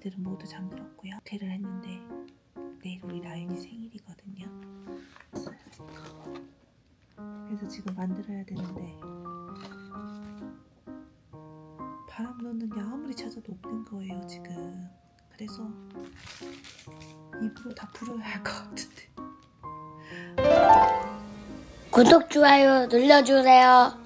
애들은 모두 잠들었고요. 호텔을 했는데 내일 우리 라윤이 생일이거든요. 그래서 지금 만들어야 되는데 바람 넣는 게 아무리 찾아도 없는 거예요 지금. 그래서 입으로 다 불어야 할 것 같은데. 구독, 좋아요 눌러주세요.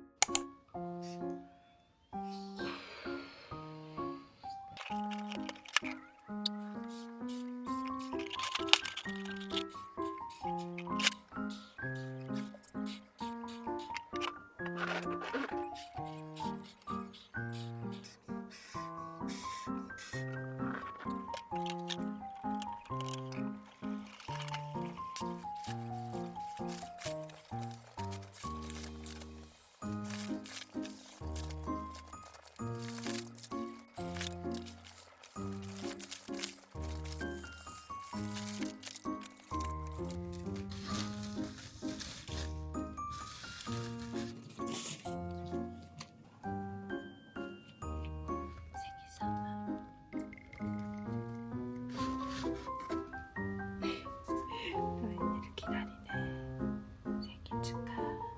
라윤이를 기다리네. 생일 축하.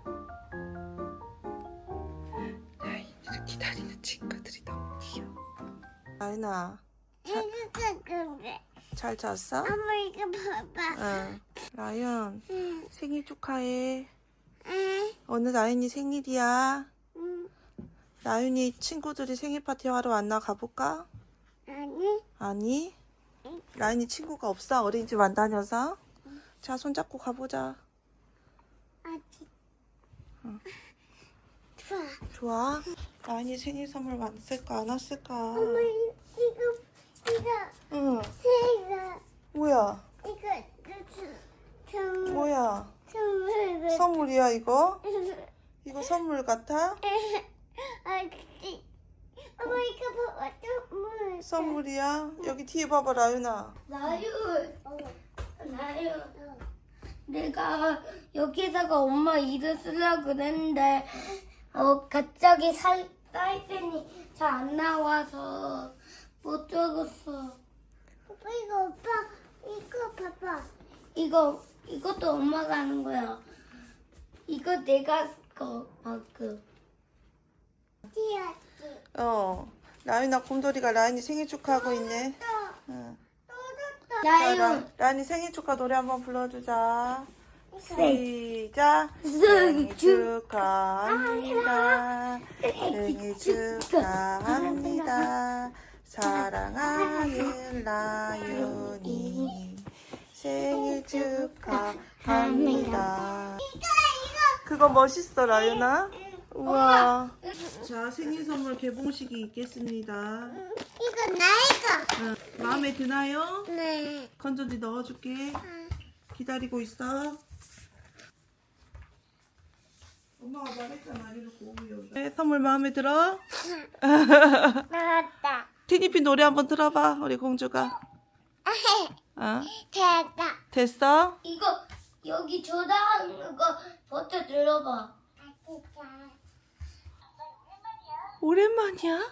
라윤이를 기다리는 친구들이 너무 귀여워. 라윤아, 잘 잤어? 엄마 이거 봐봐. 응. 라윤, 응. 생일 축하해. 응. 오늘 라윤이 생일이야. 응. 라윤이 친구들이 생일 파티 하러 왔나 가볼까? 아니. 아니? 라윤이 친구가 없어? 어린이집 안 다녀서? 자, 손잡고 가보자. 아직. 응. 좋아. 좋아? 라윤이 생일 선물 왔을까 안 왔을까? 엄마 이거 응. 이거 뭐야? 뭐야? 선물. 선물이야 이거? 이거 선물 같아? 아직. 엄마 이거 봐봐 선물. 선물이야? 여기 뒤에 봐봐 라윤아. 나윤. 내가 여기다가 엄마 이름 쓰려고 그랬는데 갑자기 사이펜이 잘 안 나와서 못 적었어. 오빠 이거 봐봐. 이것도 엄마가 하는 거야. 이거 내가 방금. 라윤아 곰돌이가 라윤이 생일 축하하고 있네. 응. 나윤. 라윤이 생일 축하 노래 한번 불러주자. 네. 시작. 생일 축하합니다. 생일 축하합니다. 사랑하는 라윤이 생일 축하합니다. 그거 멋있어 라윤아. 우와. 자, 생일 선물 개봉식이 있겠습니다. 이거 나이가. 응. 마음에 드나요? 네. 건전지 넣어줄게. 기다리고 있어. 엄마가 말했잖아. 이렇게 오면. 네, 선물 마음에 들어? 나왔다. 티니피 노래 한번 들어봐. 우리 공주가. 어? 됐다. 됐어? 이거 여기 조다하는 거 버튼 눌러봐. 오랜만이야?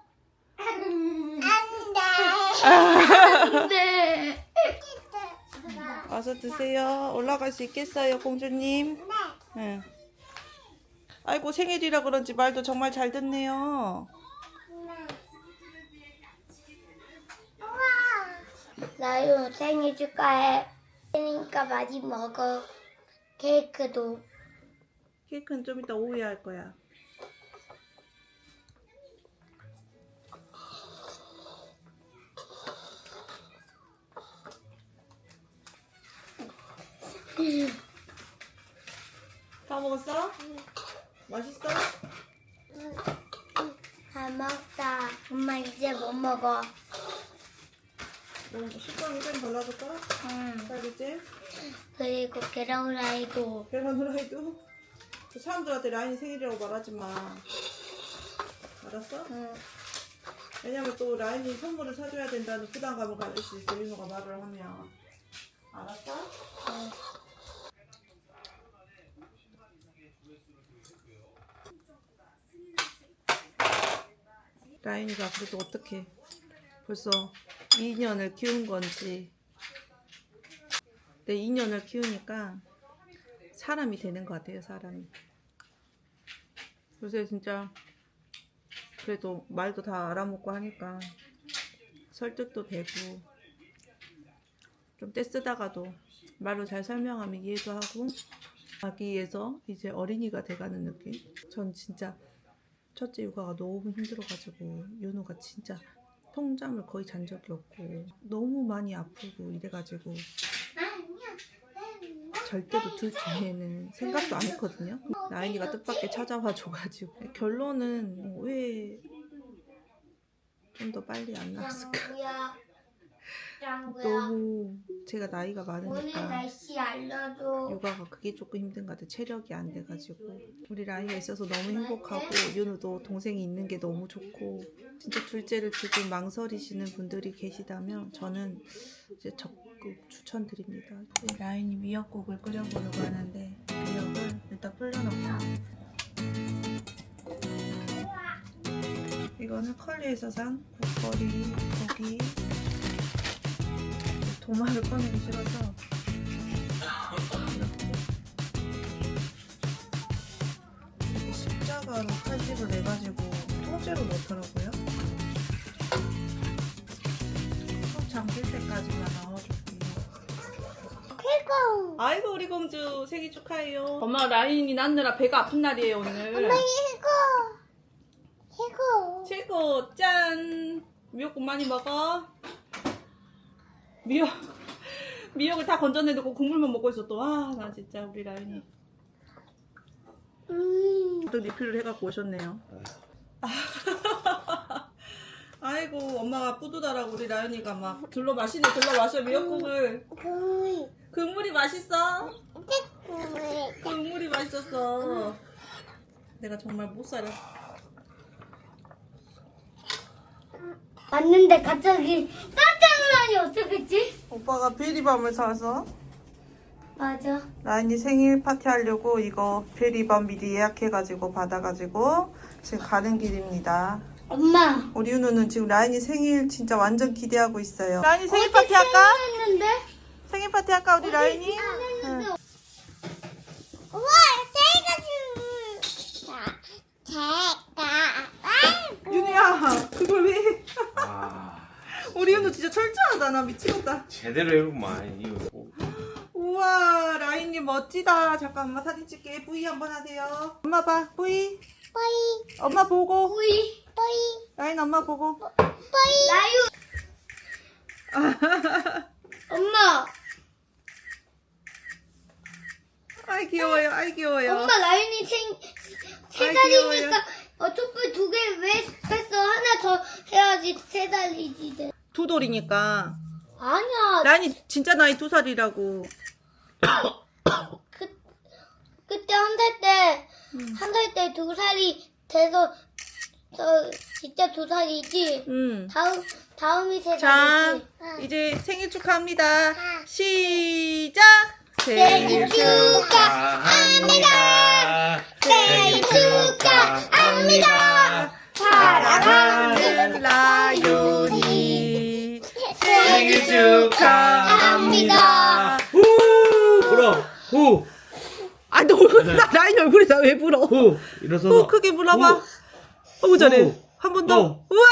안 돼. 어서 드세요. 올라갈 수 있겠어요, 공주님? 응. 아이고, 생일이라 그런지 말도 정말 잘 듣네요. 나요 생일 축하해. 그러니까 많이 먹어. 케이크도. 케이크는 좀 이따 오후에 할 거야. 다 먹었어? 맛있어? 다 먹다. 엄마 이제 못 먹어. 식빵 좀 발라줄까? 응. 딸기잼? 그리고 계란 후라이도. 계란 후라이도? 그 사람들한테 라인이 생일이라고 말하지 마. 알았어? 응. 왜냐면 또 라인이 선물을 사줘야 된다는 부담감을 가질 수 있어. 윤호가 말을 하면. 알았어? 응. 라인이가 그래도 어떡해. 벌써 2년을 키운 건지. 내 2년을 키우니까 사람이 되는 것 같아요, 사람이. 요새 진짜 그래도 말도 다 알아먹고 하니까 설득도 되고, 좀 떼쓰다가도 말로 잘 설명하면 이해도 하고, 아기에서 이제 어린이가 돼가는 느낌? 전 진짜 첫째 육아가 너무 힘들어가지고 윤우가 진짜 통잠을 거의 잔 적이 없고 너무 많이 아프고 이래가지고 절대로 둘째는 생각도 안 했거든요. 라인이가 뜻밖의 찾아와 줘가지고 결론은 왜 좀 더 빨리 안 나왔을까. 너무 제가 나이가 오늘 많으니까 날씨 알려줘. 육아가 그게 조금 힘든 것 같아. 체력이 안 돼가지고. 우리 라이가 있어서 너무 행복하고 윤우도 동생이 있는 게 너무 좋고, 진짜 둘째를 지금 망설이시는 분들이 계시다면 저는 이제 적극 추천드립니다. 라인이 미역국을 끓여보려고 하는데 미역을 일단 불려놓고, 이거는 컬리에서 산 국거리 고기. 도마를 꺼내기 싫어서 이렇게 십자가로 칼집을 내가지고 통째로 넣더라고요. 속 잠길 때까지만 넣어줄게요. 최고. 아이고 우리 공주 생일 축하해요. 엄마 라인이 낳느라 배가 아픈 날이에요 오늘. 엄마 최고. 최고. 최고. 짠. 미역국 많이 먹어. 미역을 다 건져내놓고 국물만 먹고 있어 또. 아, 나 진짜 우리 라인이 또 리필을 해갖고 오셨네요. 아이고 엄마가 뿌듯하라고 우리 라연이가 막 들러 마시네. 들러 마셔 미역국을. 국물이 맛있어. 국물이 맛있었어. 내가 정말 못 살아. 왔는데 갑자기 깜짝 놀라니 어떡했지? 오빠가 베리밤을 사서 맞아. 라인이 생일 파티 하려고 이거 베리밤 미리 예약해가지고 받아가지고 지금 가는 길입니다. 엄마. 우리 윤우는 지금 라인이 생일 진짜 완전 기대하고 있어요. 라인이 생일 파티 할까? 했는데? 생일 파티 할까 우리 라인이? 응. 우와, 윤우야 그걸 왜? 아, 우리 윤우 진짜 철저하다. 나 미치겠다. 제대로 해보구만. 이거 뭐. 우와 라인님 멋지다. 잠깐 엄마 사진 찍게. 뿌이 한번 하세요. 엄마 봐 뿌이. 빠이, 엄마 보고. 뿌이, 빠이, 라인 엄마 보고. 빠이. 라유. 엄마. 아이 귀여워요. 아이 귀여워요. 엄마 라윤이 세 아이, 살이니까 촛불 2개 왜 뺐어? 하나 더 해야지 3살이지. 두 돌이니까. 아니야. 라인이 진짜 나이 2살이라고. 그때 한 살 때 2살이 돼서 진짜 2살이지. 다음이 3살이지. 자, 이제 생일 축하합니다. 시작! 생일 축하합니다. 생일 축하합니다. 사랑하는 라윤이 생일 축하합니다. 후! 불어! 후! 아, 너 라인 얼굴에 다 왜 불어? 후! 일어서서. 크게 불어봐. 후! 너무 잘해. 후! 한 번 더. 후! 우와!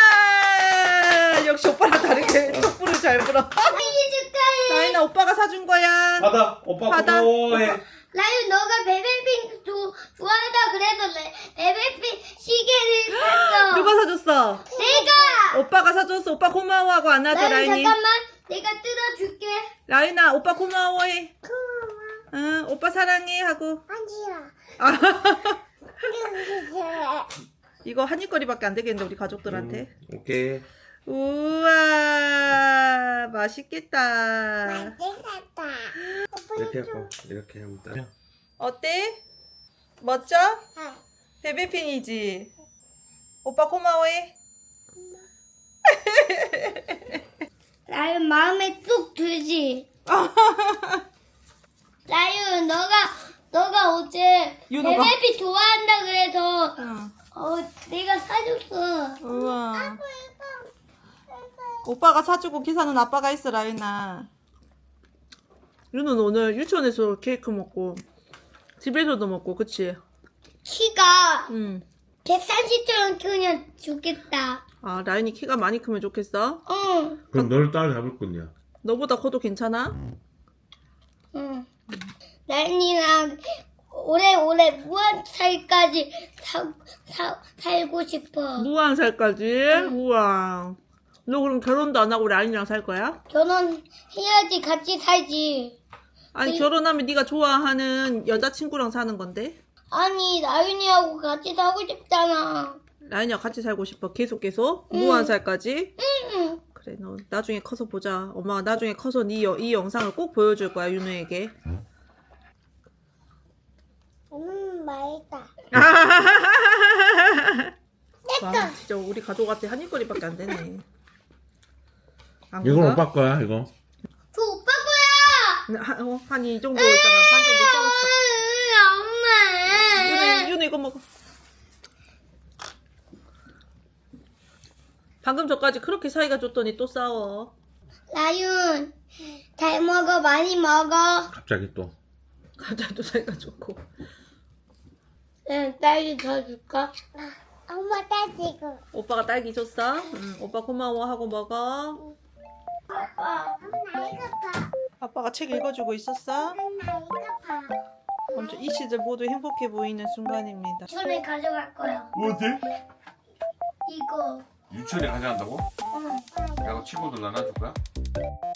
역시 오빠랑 다르게 촛불을 잘 불어. 생일 축하해. 라인아, 오빠가 사준 거야. 받아! 오빠 받아. 고마워해. 라윤 너가 베베핑 좋아한다 그래서 베베핑 시계를 샀어. 누가 사줬어? 내가. 오빠가 사줬어. 오빠 고마워하고 안아줘, 라윤 라인이. 잠깐만. 내가 뜯어줄게. 라인아, 오빠 고마워해. 응, 오빠 사랑해 하고. 아니야. 이거 한입거리밖에 안 되겠는데 우리 가족들한테. 오케이. 우와 맛있겠다. 이렇게 하고, 이렇게 하면 돼. 어때? 멋져? 베베핀이지? 오빠 고마워해. 라윤 마음에 쏙 들지. 라윤 너가 어제 윤호가? 베베핑 좋아한다 그래서 응. 내가 사줬어. 우와. 오빠가 사주고 기사는 아빠가 했어, 라인아. 윤은 오늘 유치원에서 케이크 먹고 집에서도 먹고, 그치? 키가 응. 130처럼 크면 좋겠다. 아, 라인이 키가 많이 크면 좋겠어? 응. 그럼 너를 따라잡을 건데. 너보다 커도 괜찮아? 응. 나린이랑 오래오래 무한 살까지 살고 싶어. 무한살까지? 우와. 너 그럼 결혼도 안 하고 라인이랑 살 거야? 결혼해야지 같이 살지. 아니, 결혼하면 네가 좋아하는 여자친구랑 사는 건데? 아니 나윤이하고 같이 살고 싶잖아. 라인이랑 같이 살고 싶어. 계속? 무한살까지? 응. 그래, 너 나중에 커서 보자. 엄마가 나중에 커서 이 영상을 꼭 보여줄 거야, 윤우에게. 맛있다. 와, 진짜 우리 가족한테 한입거리밖에 안 되네. 안 이건 그런가? 오빠 거야, 이거. 저 오빠 거야. 한이 정도 있잖아. 반 정도 썰었어. 엄마. 윤우 이거 먹어. 방금 전까지 그렇게 사이가 좋더니 또 싸워. 나윤 잘 먹어 많이 먹어. 갑자기 또. 갑자기 또 사이가 좋고. 응, 딸기 더 줄까? 엄마 딸기고. 오빠가 딸기 줬어? 응, 오빠 고마워 하고 먹어. 아빠. 엄마 이거 봐. 아빠가 책 읽어주고 있었어? 엄마 이거 봐. 먼저 이 시들 모두 행복해 보이는 순간입니다. 유치원에 가져갈 거야. 어디? 이거. 유치원에 가져간다고? 응. 내가 친구들 나눠줄 거야?